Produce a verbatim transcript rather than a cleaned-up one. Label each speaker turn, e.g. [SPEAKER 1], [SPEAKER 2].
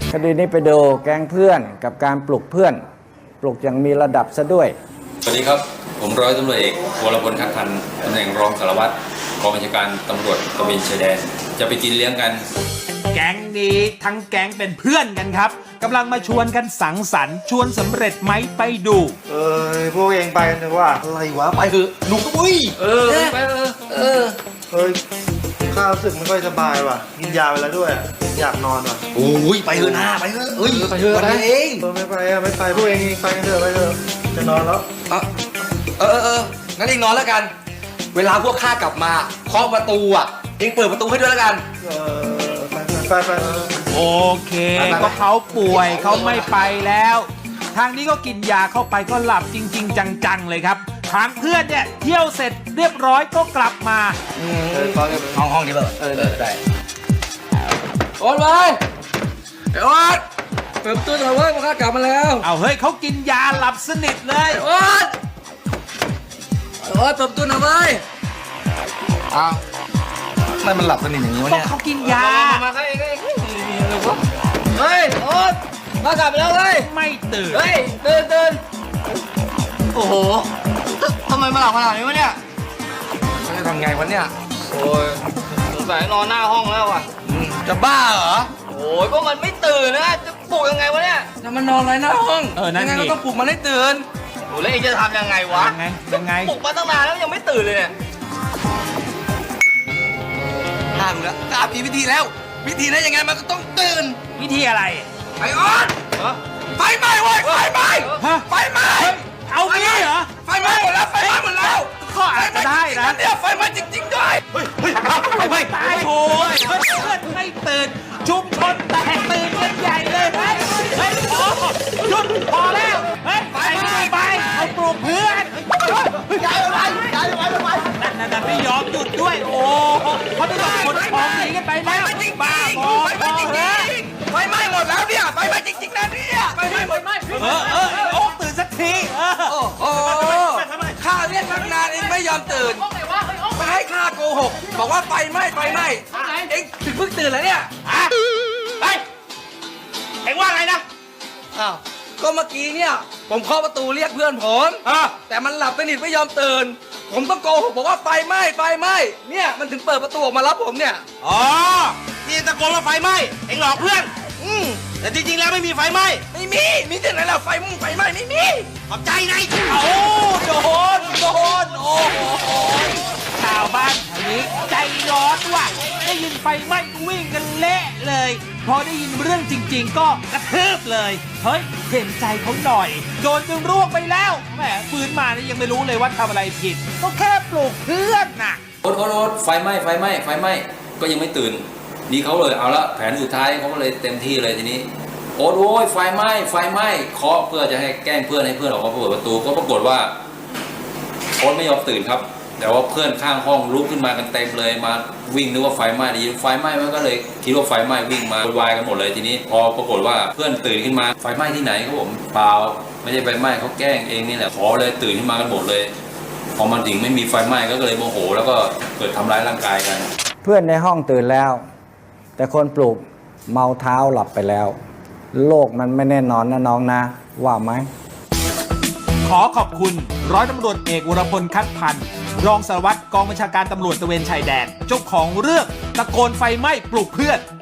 [SPEAKER 1] คดีนี้ไปดูแก๊งเพื่อนกับการปลุกเพื่อนปลุกอย่างมีระดับซะด้วย
[SPEAKER 2] สวัสดีครับผมร้อยตำรวจเอกวรพลคัดพันธ์ตำแหน่งรองสารวัตรกองบัญชาการตำรวจตระเวนชายแดนจะไปกินเลี้ยงกัน
[SPEAKER 3] แก๊งนี้ทั้งแก๊งเป็นเพื่อนกันครับกำลังมาชวนกันสังสรรค์ชวนสำเร็จไหมไปดู
[SPEAKER 4] เออพวกเองไปกันเถอะว่าอะไรวะไปเถอะหนุกก็อุ้ย
[SPEAKER 2] เออไปเออเออ
[SPEAKER 4] เฮ้ยข้ารู้สึกไม่ค่อยสบายว่ะกินยาไปแล้วด้วยอยากนอนว่ะ
[SPEAKER 5] โอ้ยไปเถอะนะไปเถอะเฮ้ยไปเถอะวันนี้เอง
[SPEAKER 4] เออไม่ไปอ่ะไม่ไปพวกเองไปกันเถอะไปเถอะจะนอนแล้ว
[SPEAKER 5] เออเออเอองั้นเองนอนแล้วกันเวลาพวกข้ากลับมาเคาะประตูอ่ะเองเปิดประตูให้ด้วยแล้วกัน
[SPEAKER 4] เออไปไปไป
[SPEAKER 3] โอเคก็เขาป่วยเขาไม่ไปแล้วทางนี้ก็กินยาเข้าไปก็หลับจริงๆจังๆเลยครับทางเพื่อนเนี่ยเที่ยวเสร็จเรียบร้อยก็กลับมา
[SPEAKER 5] ห้องห้องนี้เปล่าเออได้โอ๊ตไปไอ้โอ๊ตเปิดประตูหน่อยเว้ยพวกข้ากลับมาแล้ว
[SPEAKER 3] เอาเฮ้ยเขากินยาหลับสนิทเลย
[SPEAKER 5] โอ๊ตโอ๊ตเปิดประตูหน่อยเว้ยอ้าวทำไมมันหลับสนิทอย่างนี้วะเนี่ย
[SPEAKER 3] เขากินยา
[SPEAKER 5] มาเองเองเฮ้ยโอ๊ตมากลับไปแล้วเฮ้ย
[SPEAKER 3] ไม่ตื่น
[SPEAKER 5] เฮ้ยตื่นตื่นโอ้โหทำไมมาหลับขนาดนี้วะเนี่ยจะทำไงวะเนี่ย
[SPEAKER 6] โอ้ยสงสัยนอนหน้าห้องแล้วอ่ะ
[SPEAKER 5] จะบ้าเหรอ
[SPEAKER 6] โอ้ยก็มันไม่ตื่นนะจะปลุกยังไงวะเนี่ย
[SPEAKER 5] จะมันนอนอะไรหน้าห้อง
[SPEAKER 3] เออนั่นไง
[SPEAKER 5] ก็ต้องปลุกมันให้ตื่น
[SPEAKER 6] โอ้แล้วเองจะทำยังไงวะ
[SPEAKER 3] ยังไงยังไง
[SPEAKER 6] ปลุกมาตั้งนานแล้วยังไม่ตื่นเลยเนี่ย
[SPEAKER 5] ห้ามแล้วตามมีวิธีแล้ววิธีนั้นยังไงมันก็ต้องตื่น
[SPEAKER 3] วิธีอะไร
[SPEAKER 5] ไอ้ออสไฟไหม้เว้ยไฟไหม้ไฟไหม้
[SPEAKER 3] เอาไปเหรอ
[SPEAKER 5] ไฟไหม้หมดแล้วไฟไหม้หมดแล้ว
[SPEAKER 3] ก็อาจจะได้นะ
[SPEAKER 5] เนี่ยไฟไหม้จริงๆด้วยเฮ้ยเฮ้ยไฟไหม้
[SPEAKER 3] ตายโอ้ยเพื่อนไม่ตื่นชุมชนแตกตื่นกันใหญ่เลยเฮ้ยเฮ้ยพอหยุดพอแล้วเฮ้ยไปไปเอาปลุกเพื่อน
[SPEAKER 5] ย้ายไปย้ายไปไป
[SPEAKER 3] นั่นนั่นไม่ยอมหยุดด้วยโอ้เขาต้องขนของหนีกันไปแล้วบ้าบอไฟไหม้จริง
[SPEAKER 5] ๆไฟไหม้หมดแล้วเนี่ยไฟไหม้จริงๆนะเนี่ยไฟไหม้หมดไหม
[SPEAKER 3] เออเออโอ้ตื่นสักทีเออ
[SPEAKER 5] โอ้โหข้าเรียกตั้งนานเองไม่ยอมตื่นไม่ให้ข้าโกหกบอกว่าไฟไหม้ไฟไหม้เองถึงเพิ่งตื่นแล้วเนี่ย
[SPEAKER 3] ฮะเฮ้ยเอ็งว่าไงนะ
[SPEAKER 5] อ้าวก็เมื่อกี้เนี่ยผมเคาะประตูเรียกเพื่อนผมแต่มันหลับสนิทไม่ยอมตื่นผมต้องโกหกบอกว่าไฟไหม้ไฟไหม้เนี่ยมันถึงเปิดประตูออกมารับผมเนี่ย
[SPEAKER 3] อ๋อที่ตะโกนว่าไฟไหม้เอ็งหลอกเพื่อน
[SPEAKER 5] อืม
[SPEAKER 3] แต่จริงๆแล้วไม่มีไฟไหม้
[SPEAKER 5] ไม่มีมีที่ไหนล่ะไฟมุ่งไฟไหม้ไม่มี
[SPEAKER 3] ขอบใจไงโอ้โดนโดนโอ้โหชาวบ้านแถวนี้ใจร้อนว่ะได้ยินไฟไหม้วิ่งกันเละเลยพอได้ยินเรื่องจริงๆก็กระทืบเลยเฮ้ยเห็นใจเขาหน่อยโดนจนร่วงไปแล้วแหมฟื้นมานี่ยังไม่รู้เลยว่าทำอะไรผิดก็แค่ปลุกเพื่อนน่ะ
[SPEAKER 2] โอ๊ตโอ๊ตโอ๊ตไฟไหม้ไฟไหม้ไฟไหม้ก็ยังไม่ตื่นนี่เขาเลยเอาละแผนสุดท้ายเขาก็เลยเต็มที่เลยทีนี้โอ๊ตโอ้ยไฟไหม้ไฟไหม้เคาะเพื่อจะให้แกล้งเพื่อนให้เพื่อนออกมาเปิดประตูก็ปรากฏว่าโอ๊ตไม่ยอมตื่นครับแต่ว่าเพื่อนข้างห้องลุกขึ้นมากันเต็มเลยมาวิ่งนึกว่าไฟไหม้ดีไฟไหม้มันก็เลยคิดว่าไฟไหม้วิ่งมาวุ่นวายกันหมดเลยทีนี้พอปรากฏว่าเพื่อนตื่นขึ้นมาไฟไหม้ที่ไหนครับผมเปล่าไม่ใช่ไฟไหม้เขาแกล้งเองนี่แหละขอเลยตื่นขึ้นมากันหมดเลยพอมันถึงไม่มีไฟไหม้ก็เลยโมโหแล้วก็เกิดทำร้ายร่างกายกัน
[SPEAKER 1] เพื่อนในห้องตื่นแล้วแต่คนปลุกเมาเท้าหลับไปแล้วโลกมันไม่แน่นอนนะน้องนะว่าไหม
[SPEAKER 3] ขอขอบคุณร้อยตำรวจเอกวรพลคัดพันธ์รองสารวัตรกองบัญชาการตำรวจตระเวนชายแดนเจ้าของเรื่องตะโกนไฟไหม้ปลุกเพื่อน